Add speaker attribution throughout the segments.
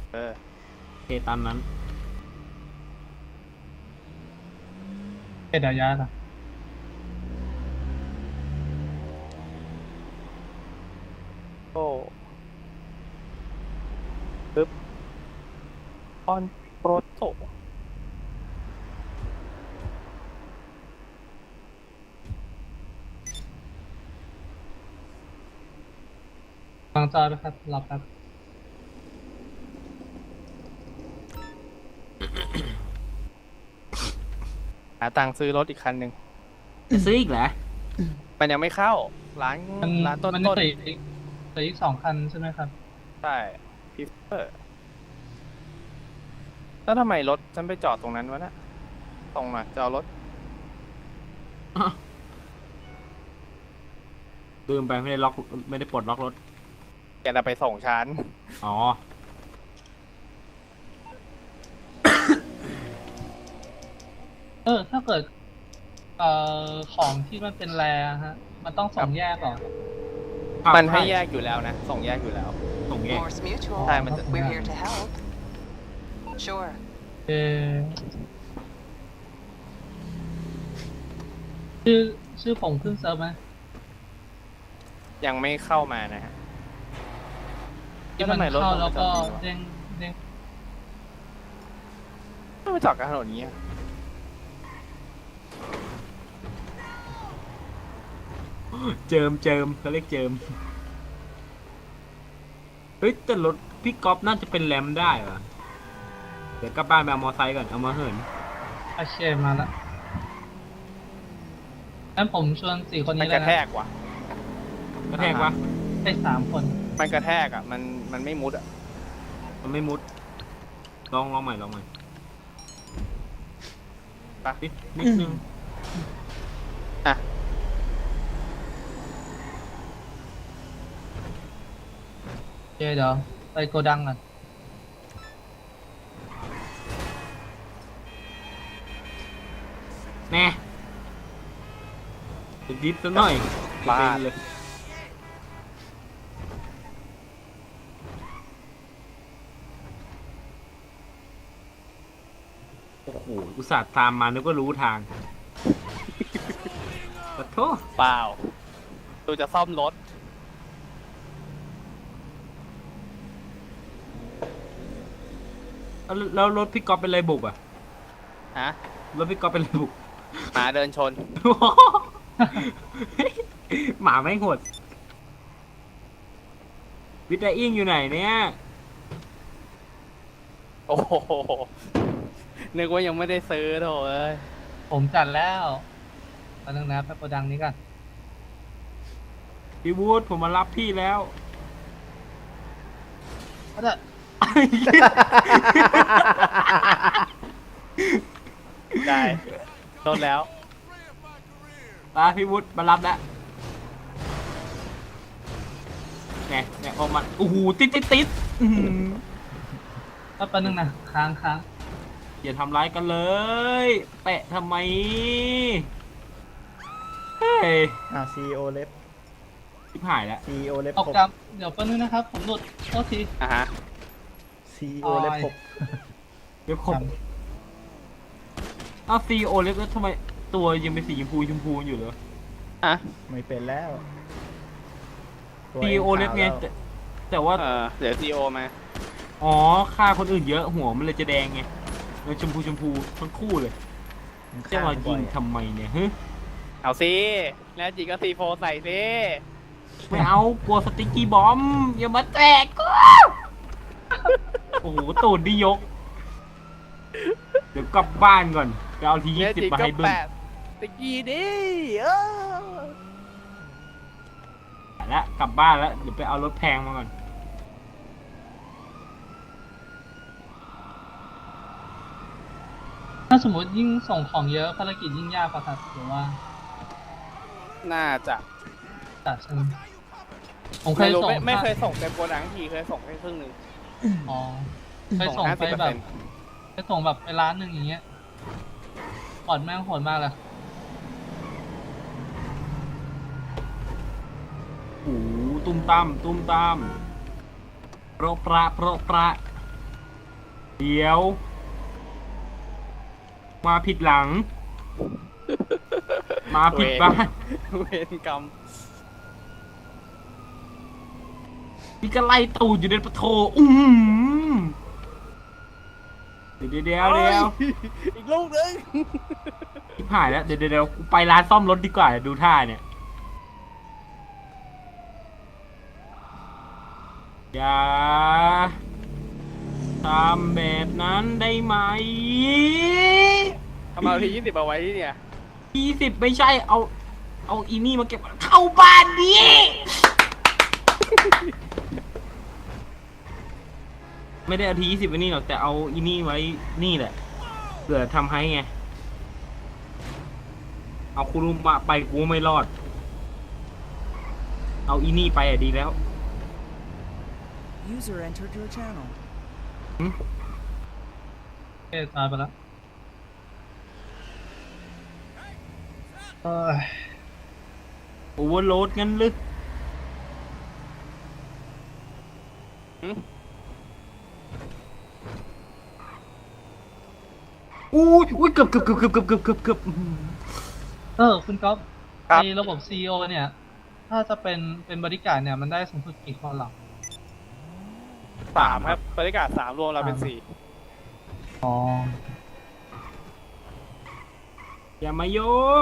Speaker 1: เคตามนั้น
Speaker 2: เดี๋ยวยาค่ะ
Speaker 3: โอ้ปึ๊บออนโปรโต
Speaker 2: วางจอยไปครับรอแป๊บ
Speaker 3: หาตังค์ซื้อรถอีกคันหนึ่ง
Speaker 1: จะซื้ออีกเหรอ
Speaker 3: มันยังไม่เข้าร้าน
Speaker 2: มัน
Speaker 3: ร้านต้น
Speaker 2: มัน
Speaker 3: ต้น
Speaker 2: เหลืออีก2 คันใช่ไหมครับ
Speaker 3: ใช่พิฟเฟอร์แล้วทำไมรถฉันไปจอดตรงนั้นวะน่ะตรงน่ะจะเอารถ
Speaker 1: ลืมไปไม่ได้ล็อกไม่ได้ปลดล็อกรถ
Speaker 3: แกจะไปส่งฉัน
Speaker 1: อ๋อ
Speaker 2: ถ้าเกิดของที่มันเป็นแรฮะมันต้องส่งแยกเหรอ
Speaker 3: มันให้แยกอยู่แล้วนะ ส่งแยกอยู่แล้ว
Speaker 1: ส่งแยก
Speaker 4: Morse Mutual.
Speaker 3: ใช่มันจะ
Speaker 4: We're here to help. Sure.
Speaker 2: เออชื่อชื่อผมขึ้นเซิร์ฟไหม
Speaker 3: ยังไม่เข้ามานะฮะ
Speaker 2: ที่มัน
Speaker 3: ทำไมรถ
Speaker 2: เข้า
Speaker 3: มัน
Speaker 2: แล้วก็
Speaker 3: จอดอย่างนี้วะ
Speaker 2: เด้ง
Speaker 3: ทำไมจอดกลางถนนอย่างนี้อะ
Speaker 1: เจิมเขาเรียกเจิมเฮ้ยแต่รถพี่ก๊อฟน่าจะเป็นแรมได้เหรอเดี๋ยวกลับบ้านไปเอามอไซค์ก่อนเอามาเหิน
Speaker 2: อาเชมาละงั้นผมชวน4 คน
Speaker 3: มัน
Speaker 2: นี้
Speaker 3: ก
Speaker 2: เลย
Speaker 3: ระ
Speaker 2: นะ
Speaker 3: แทกว่ะ
Speaker 1: กระแทกวะ
Speaker 2: ได้3 คน
Speaker 3: มันกระแทกอ่ะ มันไม่มุดอ่ะ
Speaker 1: มันไม่มุดลองใหม่
Speaker 3: ไป
Speaker 1: นิดนึง
Speaker 3: อ่ะ
Speaker 2: เดี๋ยวไปโกดังก่อน
Speaker 1: แน่จะดิฟซะหน่อย
Speaker 3: บ้า
Speaker 1: เป็นเลยโอ้โหอุตส่าห์ตามมานึกว่ารู้ทางขอโทษ
Speaker 3: เปล่าดูจะซ่อมรถ
Speaker 1: แล้วรถพี่ก๊อฟเป็นไรบุกอ่ะ
Speaker 3: ฮะ
Speaker 1: รถพี่ก๊อฟเป็นไรบุก
Speaker 3: หมาเดินชน
Speaker 1: หมาไม่งโหดวิทย์อิงอยู่ไหนเนี่ย
Speaker 3: โอ้โห นึกว่ายังไม่ได้ซื้อโถเอ้ย
Speaker 2: ผมจัดแล้วตอนนึงนะไปโกดังนี้กัน
Speaker 1: พี่วูดผมมารับพี่แล้ว
Speaker 2: ก็จะ
Speaker 3: ได้รถแล้ว
Speaker 1: มาพี่วุฒิมารับแล้วเนี่ยพอมันโอ้โหติดอื้อหือ
Speaker 2: ก็แป๊บนึงนะค้าง
Speaker 1: อย่าทำร้ายกันเลยแปะทำไมเฮ้ย
Speaker 5: CEO เล็บ
Speaker 1: ชิบหายแล้ว
Speaker 5: CEO เล็บ
Speaker 2: ตก
Speaker 5: ขบ
Speaker 2: ดับเดี๋ยวแป๊บนึงนะครับ ผมหลุดโทษที
Speaker 3: อ่ะฮะ
Speaker 5: CEO เล็บขบ
Speaker 1: เดี๋ยวขบอ้าวซีโอเล็กแล้วทำไมตัวยังเป็นสีชมพูอยู่เหรอ
Speaker 3: อ่ะ
Speaker 5: ไม่เป็นแล้วตัว
Speaker 1: ซีโอเล็กไง
Speaker 5: ขาวแล้ว
Speaker 1: แต่ว่า
Speaker 3: เดี๋ยวซีโอมา
Speaker 1: อ๋อฆ่าคนอื่นเยอะหัวมันเลยจะแดงไงแล้วชมพูทั้งคู่เลย
Speaker 5: มัน
Speaker 1: จะ
Speaker 5: ฆ่า
Speaker 1: มา
Speaker 5: บ่
Speaker 1: ยิ
Speaker 5: อง ย
Speaker 1: ทำไมเนี่ยฮึ
Speaker 3: เอาสิแล้วจีก็ซีโฟใส่สิ
Speaker 1: ไม่เอากลัวสติ๊กกี้บอมอย่ามาแตกกูโอ้โหตูดดิยก เดี๋ยวกลับบ้านก่อนไปเอาที
Speaker 3: แล้ว
Speaker 1: 20
Speaker 3: จี
Speaker 1: มา
Speaker 3: ก็
Speaker 1: ให้เบิ้ม
Speaker 3: แปะตะกี้ดิอ
Speaker 1: แล้วกลับบ้านแล้วเดี๋ยวไปเอารถแพงมาก่อน
Speaker 2: ถ้าสมมติยิ่งส่งของเยอะภารกิจยิ่งยากป่ะครับหรือว่า
Speaker 3: น่าจะ
Speaker 2: จัดใช่ไหมผมเค
Speaker 3: ไม่
Speaker 2: ย
Speaker 3: รู้
Speaker 2: ส่ง
Speaker 3: ไม่เคยส่งเต็มโกดังทีเคยส่งแค่ครึ่งหนึ่ง
Speaker 2: อ๋อเคยส่งไปแบบไปส่งแบบไปร้านหนึ่งอย่างเงี้ยปอดแม่งโหดมากเลย
Speaker 1: โอ้โหตุ้มตามโปรประเดี๋ยว มาผิดหลัง มาผิดบ้าน
Speaker 3: เวรกรรม
Speaker 1: พี่ก็ไล่ตูดอยู่ในปะโถเดี๋ยว
Speaker 3: อีกลูกนึง
Speaker 1: ชิบหายแล้วเดี๋ยวกูไปร้านซ่อมรถดีกว่าดูท่าเนี่ยอย่าทำแบบนั้นได้ไหม
Speaker 3: ทำไมเอาที20เอาไว้ที่เนี่ย
Speaker 1: 20ไม่ใช่เอาอีนี่มาเก็บเข้าบ้านดิไม่ได้เอาที20ไว้นี่หรอกแต่เอาอีนี่ไว้นี่แหละเผื่อทำให้ไงเอาคุรุมะไปกูไม่รอดเอาอีนี่ไปอะดีแล้ว
Speaker 6: User entered your channel.
Speaker 2: เอ๊ะตายไปแล้วเอ้ย
Speaker 1: โอเวอร์โหลดงั้นลึก อุ้ยเกือบ
Speaker 2: คุณก๊อฟ
Speaker 3: ครับ
Speaker 2: ในระบบ CEO เนี่ย ถ้าจะเป็นบริการดเนี่ยมันได้สูงสุดกี่คนหรอ
Speaker 3: 3ครับบริการ3รวมเราเป็น
Speaker 2: อ๋อ
Speaker 1: อย่ามาโยง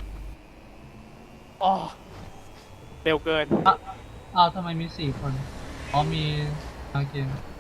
Speaker 3: 4อ๋อเร็วเกิน
Speaker 2: อ้าวทำไมมี4 คน อ๋อมีโอเค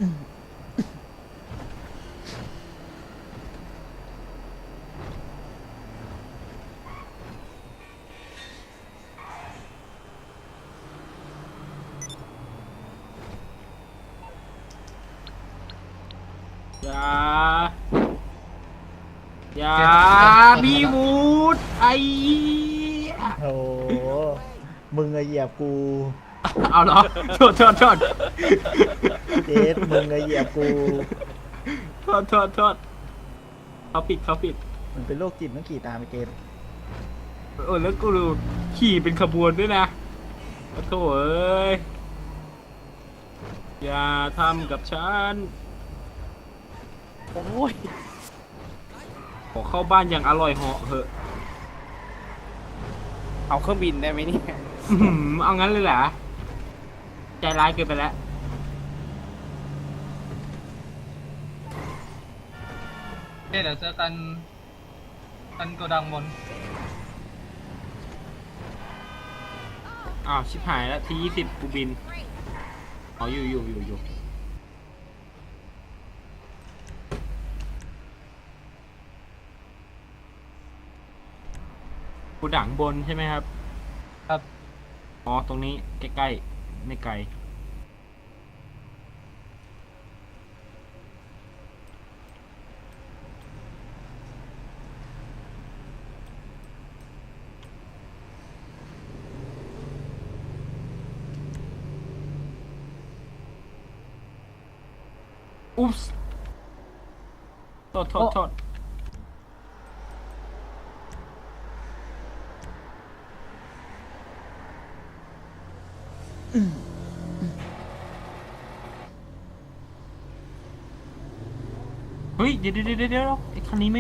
Speaker 1: อย่าพี่วูดไอ
Speaker 5: โอ้โหมึงอะเหยียบกู
Speaker 1: เอาเหรอโทษ
Speaker 5: เจสมึงอะเหยียบกู
Speaker 1: โทษเขาปิด
Speaker 5: มันเป็นโรคจิตมันขี่ตามไปเกม
Speaker 1: แล้วกูดูขี่เป็นขบวนด้วยนะโถ่เอ้ยอย่าทำกับฉัน
Speaker 3: โอ้ย
Speaker 1: ขอเข้าบ้านอย่างอร่อยเหาะเหอะ
Speaker 3: เอาเครื่องบินได้ไหมเนี่ย
Speaker 1: เอางั้นเลยเหรอใจร้ายเกินไปแล้ว
Speaker 2: เดี๋ยวเจอกันโกดังบน
Speaker 1: อ้าวชิบหายแล้วที20กูบินอ๋ออยู่กูดังบนใช่ไหมครับ
Speaker 2: ครับ
Speaker 1: อ๋อตรงนี้ใกล้ๆไม่ไกลอุ๊ปส์โทษเฮ้ยเดี๋ยวไอ้คันนี้ไม่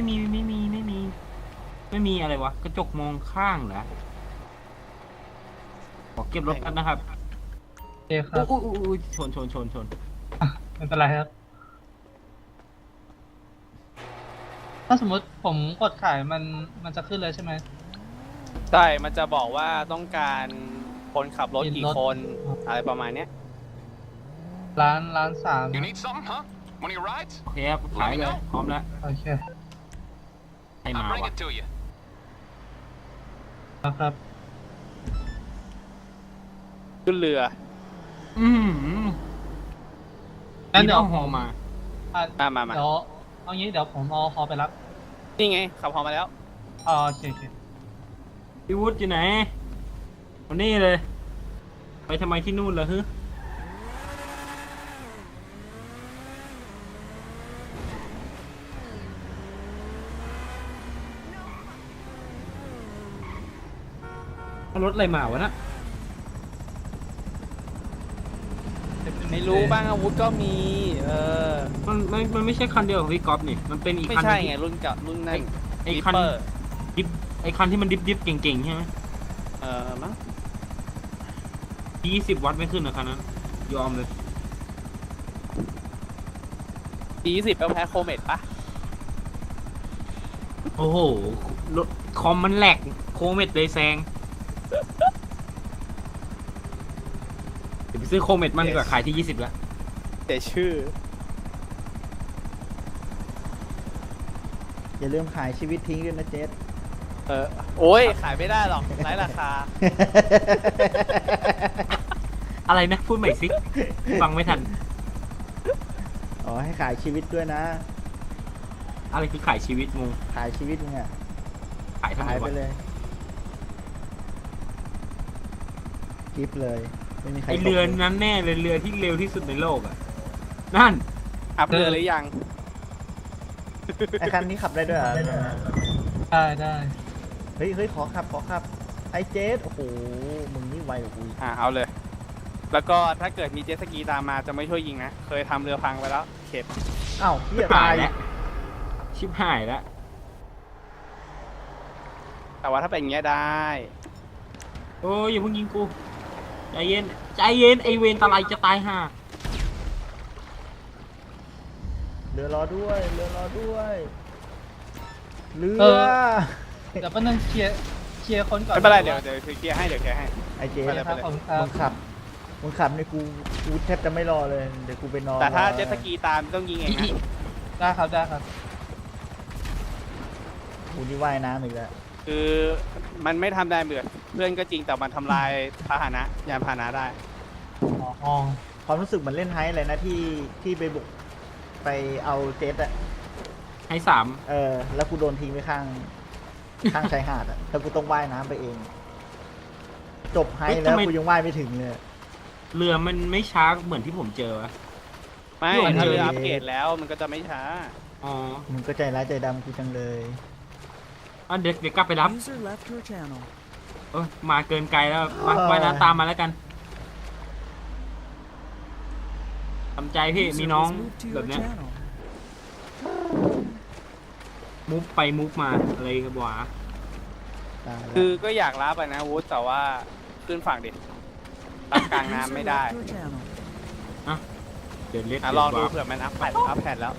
Speaker 1: มีอะไรวะกระจกมองข้างเหรอขอเก็บรถกันนะครับ
Speaker 2: โอเคครับ
Speaker 1: อุ้ยชน
Speaker 2: ไม่เป็นไรครับ ถ้าสมมติผมกดขายมันจะขึ้นเลยใช่ไหม
Speaker 3: ใช่ มันจะบอกว่าต้องการคนขับรถกี่คน อะไรประมาณเนี้ย
Speaker 2: ร้าน3
Speaker 7: You need something, huh? One of your rides?
Speaker 1: โอเคครับขายเลยพร้อมแล้ว
Speaker 2: โอเค
Speaker 1: ให้มา
Speaker 7: I'll bring
Speaker 1: วะ
Speaker 7: it to you.
Speaker 2: ครับ
Speaker 3: ขึ้นเรือ
Speaker 2: งั้นเดี๋ยว
Speaker 1: ฮอมา
Speaker 2: อ่ะ
Speaker 3: มา
Speaker 2: เดี๋ยวเอางี้เดี๋ยวผมเอาฮอไปรับ
Speaker 3: นี่ไง ขับพอมาแล้ว
Speaker 2: อ๋อโอเค
Speaker 1: พี่วุฒิอยู่ไหนวันนี้เลย ไปทำไมที่นู่นเหรอฮึเอารถอะไรมาวะนะ
Speaker 3: ไม่รู้บ้างอาวุธก็มี
Speaker 1: มันมันไม่ใช่คันเดียวกับพี่ก๊อฟนี่มันเป็นอีก
Speaker 3: ไม่
Speaker 1: คัน
Speaker 3: ใช่
Speaker 1: หนึ่
Speaker 3: ไงรุ่นเก่ารุ่นนั่น
Speaker 1: ไอ้
Speaker 3: ดิป
Speaker 1: คัน
Speaker 3: เปอร์
Speaker 1: ดิฟไอ้คันที่มันดิฟเก่งๆใช่ไหม
Speaker 3: มั้ง
Speaker 1: 20 วัตต์ไม่ขึ้นนะคันนั้นยอมเลย
Speaker 3: 20แล้วแพ้โคเมตปะ
Speaker 1: โอ้โหรถคอมมันแหลกโคเมตเลยแซงเดี๋ยวไปซื้อโคเมตมันดีกว่าขายที่ 20 แล้ว
Speaker 3: แต่ชื่อ
Speaker 5: อย่าลืมขายชีวิตทิ้งด้วยนะเจส
Speaker 3: โอ้ยขายไม่ได้หรอกไร้ราคา
Speaker 1: อะไรนะพูดใหม่สิฟังไม่ทัน
Speaker 5: อ๋อให้ขายชีวิตด้วยนะ
Speaker 1: อะไรคือขายชีวิตงง
Speaker 5: ขายชีวิตมึงอะ
Speaker 1: ขายทำไม
Speaker 5: ขายไป
Speaker 1: วะ
Speaker 5: เลยกิฟเลยไม่มีใคร
Speaker 1: ไอเรือ
Speaker 5: ตกลย
Speaker 1: นั้นแน่เลยเรือที่เร็วที่สุดในโลกอ่ะนั่น
Speaker 3: อัพเรือหรือยัง
Speaker 5: ไอคันนี้ขับได้ด้วยเหรอ
Speaker 2: ได้ได้
Speaker 5: เฮ้ยขอขับไอเจสโอ้โหมึงนี่ไวกว่ากูอีก
Speaker 3: เอาเลย แล้วก็ถ้าเกิดมีเจ็ตสกีตามมาจะไม่ช่วยยิงนะ เคยทำเรือพังไปแล้วเข็ด
Speaker 5: อ้าวเฮีย
Speaker 1: หา
Speaker 5: ตาย ย
Speaker 1: แล้วชิบหายแล้ว
Speaker 3: แต่ว่าถ้าเป็นอย่างเงี้ยได้
Speaker 1: โอ้ยอย่าเพิ่งยิงกูใจเย็นใจเย็นไอเวนตะไลจะตายห่า
Speaker 5: เรือรอด้วยเรือ
Speaker 2: เดี๋ยวแป๊บนึงเคลียร์คนก่อน
Speaker 3: ไม่เป็นไรเดี๋ยวเคลียร์ให้เดี๋ยวเคลียร์ให้
Speaker 5: ไอเจส
Speaker 3: ไปเลย
Speaker 2: ครับผมครั
Speaker 5: มึ
Speaker 2: บ
Speaker 5: งขับในกูแทบจะไม่รอเลยเดี๋ยวกูไปนอน
Speaker 3: แต่ถ้าร
Speaker 5: อ
Speaker 3: เจ็ตสกีตามต้องยิงเองนะ
Speaker 2: ได้ครับได้ครับ
Speaker 5: กูนี่ว่ายน้ำอีกแล้ว
Speaker 3: คือมันไม่ทำได้เหมือนเพื่อนก็จริงแต่มันทำลายพาหนะยานพาหนะได้
Speaker 2: อ๋อ
Speaker 5: ความรู้สึกเหมือนเล่นไฮท์เลยนะที่ไปบุกไปเอาเจ็ตอะ
Speaker 1: ให้3
Speaker 5: แล้วกูโดนทิ้งไว้ข้างชายหาดอะแล้วกูต้องว่ายน้ำไปเอง จบไฮท์แล้วกูยังว่ายไม่ถึงเลย
Speaker 1: เรือมันไม่ช้าเหมือนที่ผมเจอวะ
Speaker 3: ไม่
Speaker 1: โยน
Speaker 3: ถ้าเรือ
Speaker 5: เลย
Speaker 3: อัปเกรดแล้วมันก็จะไม่ช้า
Speaker 1: อ๋อ
Speaker 5: มึงก็ใจร้ายใจดำกูจังเลย
Speaker 1: อ่ะเดี๋ยวกลับไปรับ
Speaker 6: User left your channel.
Speaker 1: มาเกินไกลแล้วมาไปนะตามมาแล้วกันทำใจพี่
Speaker 6: User
Speaker 1: มีน้อง
Speaker 6: was moved to
Speaker 1: แบ
Speaker 6: your
Speaker 1: บเนี้ย
Speaker 6: channel.
Speaker 1: มุฟไปมุฟมาอะไรครับวะ
Speaker 5: ตายแล้ว
Speaker 3: คือก็อยากรับอะนะวูดแต่ว่าขึ้นฝั่งดิรับกลางน้ำ
Speaker 6: User
Speaker 3: ไม่ได้
Speaker 6: left your channel.
Speaker 1: เดี๋ยวเล็ด
Speaker 3: ลองดูเผื่อมันอัพแพดแล้ว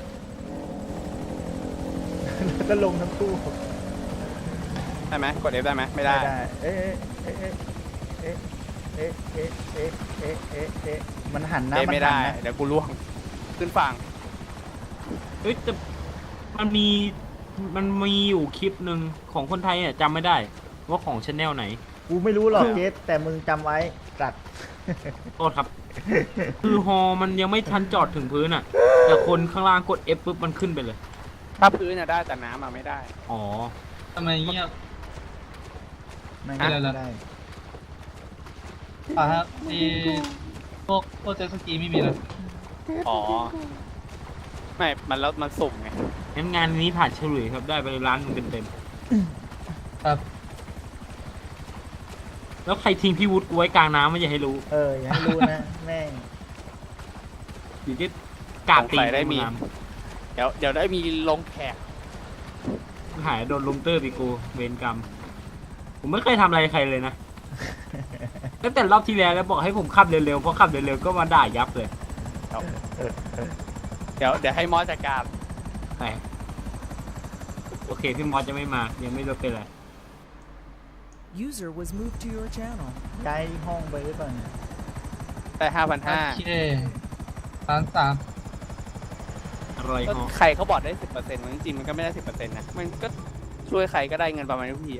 Speaker 5: ก็ลงทั้งคู่
Speaker 3: ได้ไหมกด F ได้ไหมไม่ได้
Speaker 5: เอ๊ะมันหันนะ
Speaker 3: เอ
Speaker 5: มัน
Speaker 3: ไม่
Speaker 5: หั
Speaker 3: ได้
Speaker 5: นนะ
Speaker 3: เดี๋ยวกูล่วง ขึ้นฝั่ง
Speaker 1: เฮ้ยแต่มันมีอยู่คลิปหนึ่งของคนไทยอ่ะจำไม่ได้ ว่าของชแนลไหน
Speaker 5: กูไม่รู้หรอกเจสแต่มึงจำไว้ตัด
Speaker 1: โทษครับ คือฮอมันยังไม่ทันจอดถึงพื้นอ่ะ แต่คนข้างล่างกด F ปุ๊บมันขึ้นไปเลย
Speaker 3: ถ้าพื้นน่ะได้แต่น้ำอะไม่ได้
Speaker 1: อ๋อ
Speaker 2: ทำไมเงียบ
Speaker 5: ไม่
Speaker 2: อะไรล่ะ
Speaker 5: ได้
Speaker 2: อ่ะครับพวกเจ็ตสกีไม่มีเลย
Speaker 3: อ๋อ ไม่ มันแล้วมันสุ่มไง
Speaker 1: งั้นงานนี้ผ่านฉลุยครับได้ไปร้านหนึงเต็ม
Speaker 2: ครับ
Speaker 1: ๆแล้วใครทิ้งพี่วุฒิกูไว้กลางน้ำไม่อยากให้รู้
Speaker 5: อย่าให้รู้นะ แม่ง
Speaker 1: อยู่ที่กาดตี
Speaker 3: สงสัยได้มี
Speaker 1: น้
Speaker 3: เดี๋ยวได้มีลงแขก
Speaker 1: ำหายโดนลุมเตอร์ปีกูเวรกรรม ผมไม่เคยทำอะไรใครเลยนะ ตั้งแต่รอบที่แล้วบอกให้ผมขับเร็วๆเพราะขับเร็วๆก็มาด่ายับเลย
Speaker 3: เดี๋ยวให้มอสจัดการ
Speaker 1: แต่โอเคพี่มอสจะไม่มายังไม่รู้เป็นไร
Speaker 6: User was moved to your channel.
Speaker 5: ย้ายห้องไปหรือเปล่าเนี่ย
Speaker 3: ได้
Speaker 2: โอ
Speaker 3: 5,500
Speaker 2: เค3
Speaker 1: อะไร
Speaker 3: ก็
Speaker 1: ฮะ
Speaker 3: ใครเขาบอกได้ 10%มันจริงๆมันก็ไม่ได้ 10%นะ มันก็ช่วยใครก็ได้เงินประมาณทุกที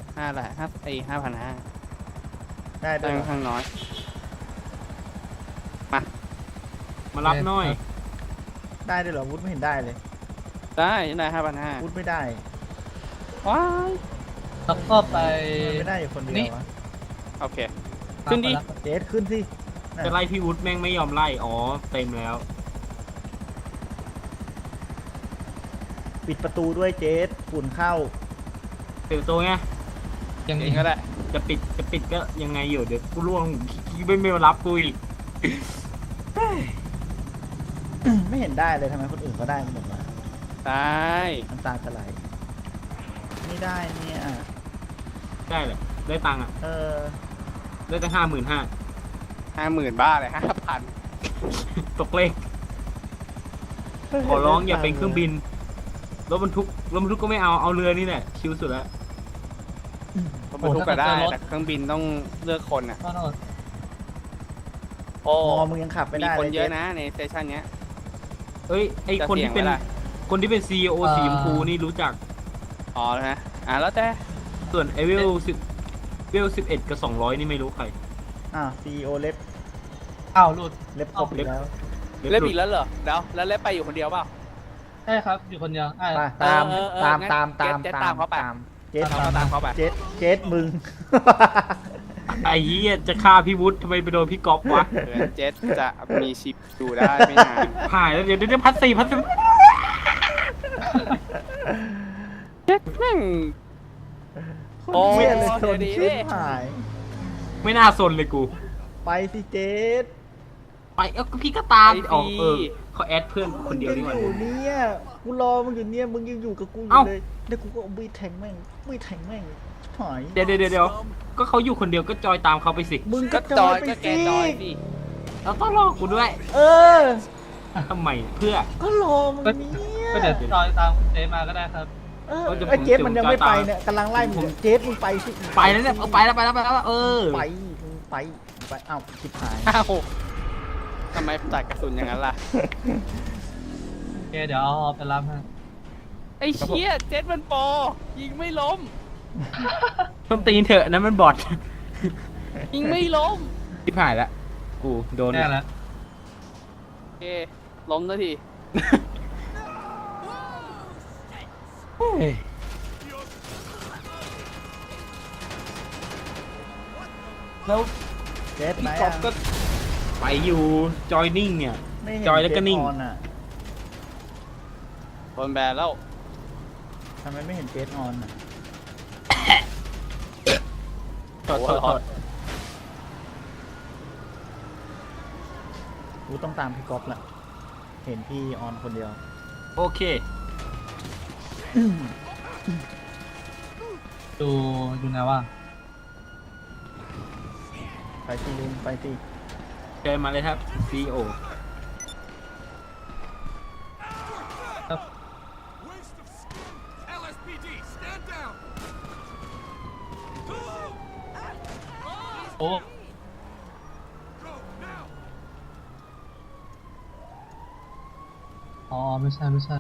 Speaker 3: 5,500
Speaker 5: ได้
Speaker 3: ได้
Speaker 5: ด้วย
Speaker 3: ค่อนข้างน้อย
Speaker 1: มารับหน่อย
Speaker 5: ได้ด้วยเหรอวุฒิไม่เห็นได้เลย
Speaker 3: ได้
Speaker 5: วุฒิไม่ได้
Speaker 3: 5,500 ว้าย
Speaker 2: แล้วก็ไป
Speaker 5: ไม่ได้อยู่คนเดี
Speaker 2: นี่
Speaker 5: ยววะ
Speaker 3: โอเค ขึ้นดิ
Speaker 5: เจสขึ้นสิน่ะ
Speaker 1: จะไล่พี่วุฒิแม่งไม่ยอมไล่อ๋อเต็มแล้ว
Speaker 5: ปิดประตูด้วยเจสฝุ่นเข้า
Speaker 1: เปิดประตัวไง
Speaker 2: ยัง
Speaker 3: เอ
Speaker 2: อี
Speaker 3: ง
Speaker 2: ก
Speaker 3: ก็ได้
Speaker 1: จะปิดก็ยังไงอยู่เดี๋ยวกูล่วงไม่มารับกูอีก
Speaker 5: ไม่เห็นได้เลยทำไมคนอื่นเขาได้หมดวะ
Speaker 3: ได้
Speaker 5: น้ำตาจะไหลไม่ได้เนี่ย
Speaker 1: ได้เลยได้ตังค์อ่ะ
Speaker 5: เออ
Speaker 1: ได้ตั้ง55,000
Speaker 3: 50,000 บ้าเลย5,000
Speaker 1: ตกเลขขอร้องอย่าเป็นเครื่องบินรถบรรทุกก็ไม่เอาเรือนี่แหละชิลสุดแล้ว
Speaker 3: รถบรรทุกก็ได้แต่เครื่องบินต้องเลือกคนอ่ะ
Speaker 2: ก็โทษ
Speaker 3: โอ้
Speaker 5: พอมึงยังขับไม่
Speaker 3: มี
Speaker 5: ได้
Speaker 3: คน
Speaker 5: เลย
Speaker 3: เยอะ
Speaker 5: จ๊
Speaker 3: นะในสเตชันเนี้ย
Speaker 1: เอ้ยไอ
Speaker 3: จะ
Speaker 1: คนที่เป็น
Speaker 3: เสี่ยงไหมล่ะ
Speaker 1: คนที่เป็น CEO สีชมพูนี่รู้จัก
Speaker 3: อ๋อนะแล้วแต่
Speaker 1: ส่วนไอเวล11กับ200นี่ไม่รู้ใคร
Speaker 5: อ่ะ CEO เล็บ
Speaker 2: อ้าวหลุด
Speaker 5: เล็บครบอีกแล้ว
Speaker 3: เล่นอีกแล้วเหรอแล้วเล่นไปอยู่คนเดียวเปล่า
Speaker 2: ใช่ครับ อยู่คนเดียวใช่
Speaker 5: ไปตาม
Speaker 3: งั้น
Speaker 5: ตาม
Speaker 3: เจ๊ตามเขาไป
Speaker 5: เจ็ด
Speaker 3: ตามเขาไป
Speaker 5: เจ็ดมึง
Speaker 1: ไอ้เหี้ยจะฆ่าพี่วุฒิทำไมไปโดนพี่ก๊อฟวะ
Speaker 3: เผื่อเจ็ตจะมีชิปอยู่ได้ไม่นาน
Speaker 1: หายแล้วเดี๋ยวพัดสี่
Speaker 3: เจ็ตแม่ง
Speaker 5: โอ้ยเลยชน
Speaker 3: เดี๋ยวดี
Speaker 5: ชิบ
Speaker 3: ดิ
Speaker 5: หาย
Speaker 1: ไม่น่าสนเลยกู
Speaker 5: ไปสิเจ็ด
Speaker 1: ไปพี่ก็ตามอ๋อเขาแอดเพื่อนคนเดียวดีกว่า
Speaker 5: มึงยังอยู่เนี่ยกูรอมึงอยู่เนี่ยมึงยังอยู่กับกูอยู่
Speaker 1: เอ้า
Speaker 5: เลยเดี๋ยวกูก็เอาบีแทงแม่งชิบหาย
Speaker 1: เดี๋ยวก็เขาอยู่คนเดียวก็จอยตามเขาไปสิ
Speaker 5: มึง
Speaker 3: ก็
Speaker 5: ก็
Speaker 3: จ
Speaker 5: จ
Speaker 3: อ
Speaker 5: อย ยไป
Speaker 3: ก็แก
Speaker 5: สิ
Speaker 3: จอยสิ
Speaker 1: เราต้องรอกูด้วย
Speaker 5: เออ
Speaker 1: ทำไมเพื่อ
Speaker 5: ก็รอมึงเนี่ย
Speaker 2: ก็เดี๋ยวจอยตามเจ๊มาก็ได้ครับ
Speaker 5: เออ
Speaker 1: เดี๋ยวผม
Speaker 5: ไอ้เจ๊มันยังไม่
Speaker 1: จะ
Speaker 5: ไป
Speaker 1: ตาม
Speaker 5: เนี่ยกำลังไล่มึง
Speaker 1: ผม
Speaker 5: เจ๊มึงไปสิ
Speaker 1: ไปแล้วเนี่ยไปแล้วเออ
Speaker 5: ไปมึงไปเอ้าชิบหาย
Speaker 3: อ้าวทำไมตัดกระสุนอย่างนั้นล่ะ
Speaker 2: โอเคเดี๋ยวเอาไปรับให้
Speaker 3: ไอ้เชี่ยเจ็ตมันโปรยิงไม่ล้ม
Speaker 1: ต้นตีนเถอะนั้นมันบอด
Speaker 3: ยิงไม่ล้ม
Speaker 1: ที่ผ่านละกูโดน
Speaker 2: แน่แล้ว
Speaker 3: โอเคล้มแล้วที
Speaker 1: แล้ว
Speaker 5: เจ๊ไหน
Speaker 1: พี่ก๊อ
Speaker 5: อะ
Speaker 1: ฟก็ไปอยู่จอยนิ่งเนี่ย
Speaker 5: ไม่เห็น
Speaker 1: จอยแล้วก็นิ่ง
Speaker 5: เจ๊ออนอะ
Speaker 3: โดนแบนแล้ว
Speaker 5: ทำไมไม่เห็นเจ๊ออนอะ
Speaker 1: โทษ
Speaker 5: กูต้องตามพี่ก๊อฟละเห็นพี่ออนคนเดียว
Speaker 1: โอเค
Speaker 2: ดูนะว่า
Speaker 5: ไปสิลุงไปสิ
Speaker 1: เชิญมาเลยครับ CEO
Speaker 7: LSPD, stand down.
Speaker 2: โอ้
Speaker 7: Go now.
Speaker 2: อ๋อไม่ใช่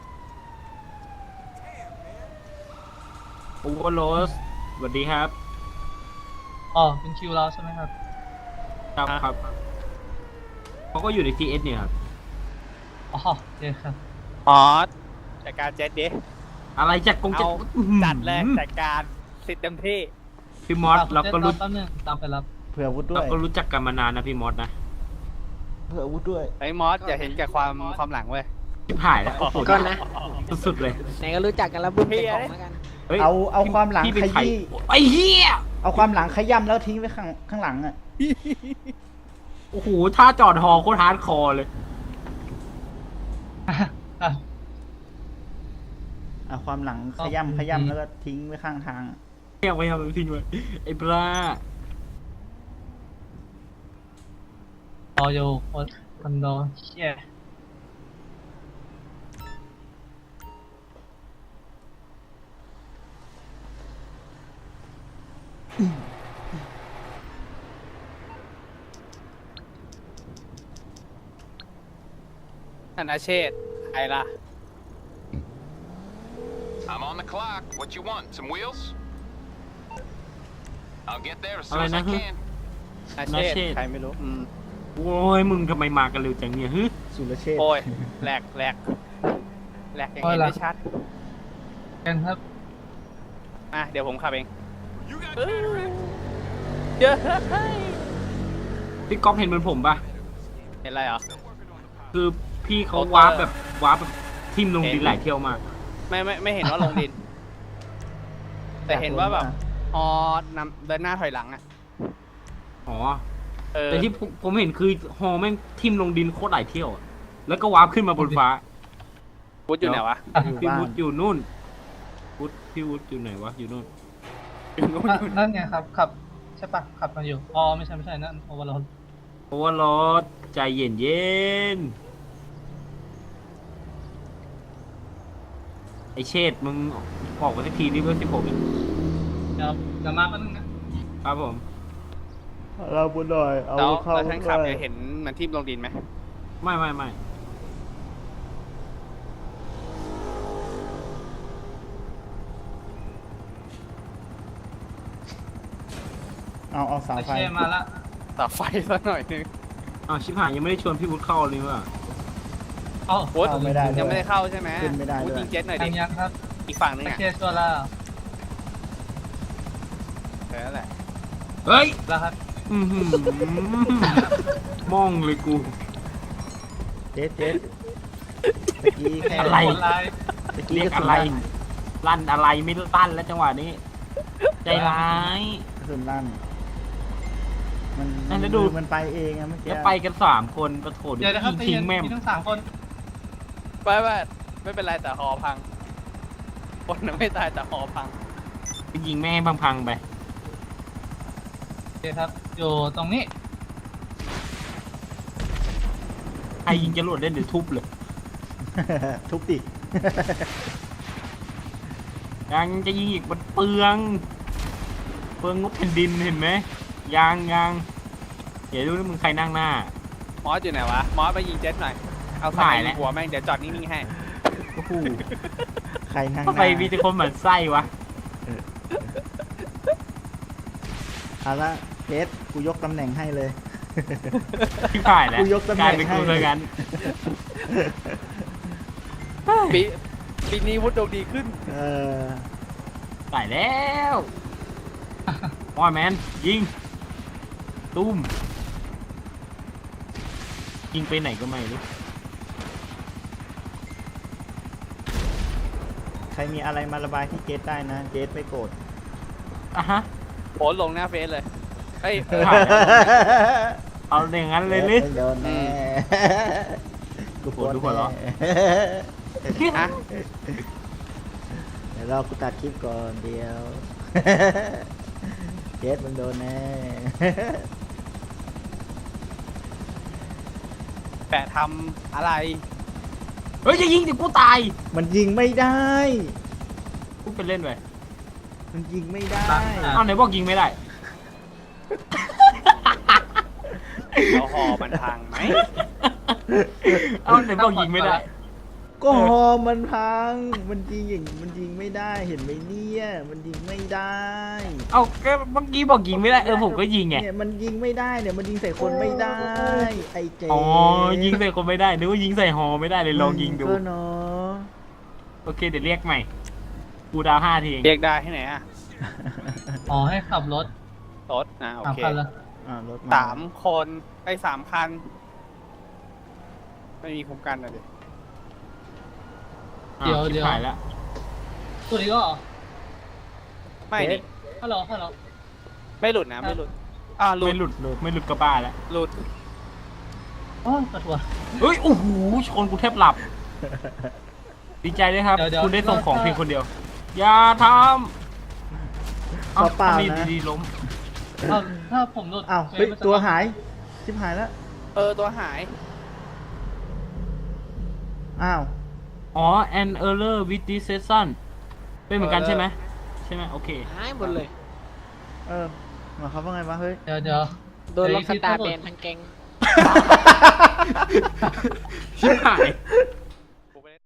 Speaker 1: โอเวอร์โรสสวัสดีครับ
Speaker 2: อ๋อเป็นคิวเราใช่ไหมครับ
Speaker 1: ครับเขาก็อยู่ใน TS เนี่ยครับ
Speaker 2: อ๋อโอเคครับ
Speaker 3: อ๋อจัดการเจ็ตดิ
Speaker 1: อะไรจัดกงจัด
Speaker 3: เอาจัดเลยจัดการสิทธิ์เต็มที่
Speaker 1: พี่มอสเราก็รู้
Speaker 2: แป๊บนึงตามไปรับ
Speaker 5: เผื่ออาวุธด้
Speaker 1: เรา
Speaker 5: วย
Speaker 1: ก็รู้จักกันมานานนะพี่มอสนะ
Speaker 5: เผื่ออาวุธด้วย
Speaker 3: ไอ้มอสอย่าเห็นแก่ความหลังเว้ย
Speaker 1: ชิบหายแล้วโอ้โห
Speaker 8: ก่อนนะ
Speaker 1: สุดๆเลย
Speaker 8: ไหนก็รู้จักกันแล้วบุ้มเป็นของแล้วกัน
Speaker 1: ฮ้ย
Speaker 5: เอาความหลัง
Speaker 1: พี่เป็น
Speaker 5: ข
Speaker 1: ใคร
Speaker 5: ยี้
Speaker 1: ไอ้เหี้ย
Speaker 5: เอาความหลังขย้ำแล้วทิ้งไว้ข้างหลังอ่ะ
Speaker 1: โอ้โหท่าจอดฮอโคตรฮาร์ดคอร์เลย
Speaker 5: เอาความหลังขย้ำแล้วก็ทิ้งไว้ข้างทางอะ
Speaker 1: ยังไม่ทำทิ้งไว้ไอ้ปลา
Speaker 2: รออยู่คอนโดเชี่ย
Speaker 3: ธนาเชษฐ์ใครล่ะ
Speaker 7: I'm on the clock. What you want? Some wheels? I'll get there as
Speaker 1: อะไร
Speaker 7: soon as
Speaker 1: นะ
Speaker 7: I
Speaker 1: ฮึ
Speaker 7: can.
Speaker 3: ธนาเชษ
Speaker 1: ธนาเชษฐ์
Speaker 3: ฐ์ใครไม่รู้
Speaker 1: โอ้ยมึงทำไมมากันเร็วจังเนี่ยฮึ
Speaker 5: สุรเชษฐ์
Speaker 3: โอ้ยแหลกอย่างเห็นได้ชัด
Speaker 2: กันครับ
Speaker 3: เดี๋ยวผมขับเอง
Speaker 7: You got
Speaker 3: เยอะ
Speaker 1: พี่ก๊อฟเห็นเหมือนผมปะ
Speaker 3: เห็นอะไรเหรอ
Speaker 1: คือพี่เขา
Speaker 3: โอเตอร์
Speaker 1: วาร์ปแบบทิมลงดินหลายเที่ยวมาก
Speaker 3: ไม่เห็นว่าลงดิน แต่เห็นว่าแบบฮอนำเดินหน้าถอยหลังอ่ะ
Speaker 1: อ๋อ
Speaker 3: เออ
Speaker 1: แต่ที่ผมเห็นคือฮอแม่งทิมลงดินโคตรหลายเที่ยวอะแล้วก็วาร์ปขึ้นมาบนฟ้า
Speaker 3: วุฒิอยู่ไหนวะ
Speaker 5: อยู่
Speaker 1: พี่
Speaker 5: บ้า
Speaker 1: วุ
Speaker 5: น
Speaker 1: ฒิอยู่นู่นพี่วุฒิอยู่ไหนวะอยู่นู่น
Speaker 3: อยู่นู้น
Speaker 2: นั่นไงครับขับใช่ปะขับมาอยู่อ๋อไม่ใช่นั่นโอเวอร์โหลด
Speaker 1: โอเวอร์โหลดใจเย็นเย็นไอเชษมึงออกมาสักทีนี่เพื่อ16อีก
Speaker 2: เดี๋ยวมาแป๊บนึงนะครับ
Speaker 1: ผม
Speaker 5: เราบุญหน่อยเอา
Speaker 3: แล้ว
Speaker 5: เข้า
Speaker 3: แล้วท่านขับ
Speaker 5: ด้วย
Speaker 3: เนี่ยเห็นมันทิ่มลงดินไหม
Speaker 1: ไม่
Speaker 5: เอาเสา
Speaker 2: ไอ
Speaker 5: ไฟ
Speaker 2: เชมาละ
Speaker 3: ต่อไฟสักหน่อยนึง
Speaker 1: อ้าวชิบหายยังไม่ได้ชวนพี่วุฒิเข้าเลยว่ะ
Speaker 2: เอ้า
Speaker 3: วุฒิ
Speaker 5: เข้าไม่ได้
Speaker 3: ยังไม่ได้เข้าใช่ไหม
Speaker 5: ขึ้นไม่ได้
Speaker 3: วุฒิ
Speaker 5: ด้วย
Speaker 3: ยิงเจ็ตหน่อยดิ
Speaker 2: ยังครับ
Speaker 3: อีกฝั่งนึง
Speaker 2: ไอ
Speaker 3: อ่ะ
Speaker 2: เชชัวร์แล้ว
Speaker 3: แค่นั้นแหละ
Speaker 1: เฮ้ย
Speaker 2: แล้วครับ
Speaker 1: อือหือมองเลยกู
Speaker 5: เจ๊ตะกี้แค่
Speaker 1: อะไร
Speaker 2: ผลลาย
Speaker 5: ตะกี้
Speaker 1: เรียก
Speaker 5: กระสุ
Speaker 1: อะ
Speaker 5: น
Speaker 1: ไร
Speaker 5: ลั่น
Speaker 1: ลั่นอะไรไม่ลั่นแล้วจังหวะนี้ ใจร้าย
Speaker 5: กระสุนลั่นมัน
Speaker 1: นั่นแล้วดู
Speaker 5: มันไปเองอะเมื่อกี้
Speaker 1: แล้วไปกัน3 คนประโถ
Speaker 2: เดี๋ยวนะครับ
Speaker 1: ทิ้งแม่ม
Speaker 2: มีทั้ง3 คน
Speaker 3: ไม่เป็นไรแต่หอพังคนน่ะไม่ตายแต่หอพัง
Speaker 1: ไปยิงแม่ให้พังๆไป
Speaker 2: โอเคครับอยู่ตรงนี้
Speaker 1: ใครยิงจรวดเล่นเดี๋ยวทุบเลย
Speaker 5: ทุบดิ
Speaker 1: ยังจะยิงอีกมันเปลืองงบแผ่นดินเห็นไหมยังเดี๋ยวดูนะมึงใครนั่งหน้าม
Speaker 3: อสอยู่ไหนวะมอสไปยิงเจ็ตหน่อยเอาสายยิงหัวแม่งเดี๋ยวจอดนิ่งๆให้
Speaker 1: โอ้โห
Speaker 5: ใครนั่งห
Speaker 1: ทำ
Speaker 5: น้า
Speaker 1: ไมมีแต่คนเหมือนไส้วะ
Speaker 5: เอาละเจ๊กูยกตำแหน่งให้เลย
Speaker 1: ที่ผ่านแล้ว
Speaker 5: กูยกตำแหน่ง
Speaker 1: กลายเป็นกู
Speaker 5: ให้
Speaker 1: เลยกัน
Speaker 3: ปีนี้วุฒิดวงดีขึ้น
Speaker 5: เออ
Speaker 1: ตายแล้วมอยแมนยิงตุ้มยิงไปไหนก็ไม่รู้
Speaker 5: ใครมีอะไรมาระบายที่เจ๊ได้นะ เจ๊ไม่โกรธ
Speaker 1: อ่ะฮะ
Speaker 3: โพสต์ลงหน้าเฟซเลยเฮ้ย
Speaker 1: ผ่านแล้วเอาอย่างนั้นเลยลิ
Speaker 5: โดนแน่กูโกรธ
Speaker 1: ดูหัวเราะ
Speaker 3: ฮะ
Speaker 5: เดี๋ยวรอกูตัดคลิปก่อนเดียว เจ๊มึงโดนแน่
Speaker 3: แปะทำอะไร
Speaker 1: เฮ้ยจะยิงเดี๋ยวกูตาย
Speaker 5: มันยิงไม่ได้
Speaker 1: กูไปเล่นไป
Speaker 5: มันยิงไม่ได้
Speaker 1: เอาไหนบอกยิงไม่ได้
Speaker 3: เอาหอมันพังไหม
Speaker 1: เอาไหนบอกยิงไม่ได้
Speaker 5: ก็ฮอมันพัง มันยิงอย่างมันยิงไม่ได้ เห็นไหมเนี่ย มันยิงไม่ได้
Speaker 1: เอาก็เมื่อกี้บอกยิงไม่ได้ผมก็ยิงไง
Speaker 5: เนี่ยมันยิงไม่ได้เนี่ย มันยิงใส่คนไม่ได้ ไอ้เจ๊
Speaker 1: อ๋อยิงใส่คนไม่ได้นึกว่ายิงใส่ฮอไม่ได้เลยลองยิงดู
Speaker 5: ก็เนาะ
Speaker 1: โอเคเดี๋ยวเรียกใหม่กูดาว5 ทีเอง
Speaker 3: เรียกได้ให้ไหนอ่ะ
Speaker 2: อ๋อให้ขับรถ
Speaker 3: รถโอ
Speaker 2: 3
Speaker 3: เค
Speaker 2: คันละ
Speaker 5: รถ
Speaker 3: 3 คนไอ้3 คัน ไม่มีคุ้มกันนะดิ
Speaker 2: เดี๋ยว
Speaker 1: ชิบหายแล้ว
Speaker 2: ตัวนี้ก็เหรอ
Speaker 3: ไม่ดิ
Speaker 2: ฮัลโหล
Speaker 3: ไม่หลุดนะไม่หลุดหลุ
Speaker 1: ไม่
Speaker 3: ด
Speaker 1: หลุดกระบ้าแล้ว
Speaker 3: หลุด
Speaker 2: โอ้ปวดหัว
Speaker 1: เฮ้ยโอ้โหชนกูแทบหลับ ดีใจด้วยครับ
Speaker 2: เดี๋ยว
Speaker 1: คุณได้ส่งของเพียงคนเดียว อย่าทำ
Speaker 5: ก็เปล่า
Speaker 1: ทำ
Speaker 5: นะ
Speaker 1: ดีๆล้ม
Speaker 2: ถ้าผมหลุด
Speaker 5: อ้าวเฮ้ยตัวหาย ชิบหายแล้ว
Speaker 3: ตัวหาย
Speaker 5: อ้าว
Speaker 1: อ๋อ an error with this session เป็นเหมือนกันใช่ไหมใช่ไหมโอเค
Speaker 8: หายหมดเลย
Speaker 5: หมายความว่าไงวะเฮ้ย
Speaker 2: เดี๋ยว
Speaker 8: โดนล็อกสตาร์แบนทั้งแก๊ง
Speaker 1: ชิบหาย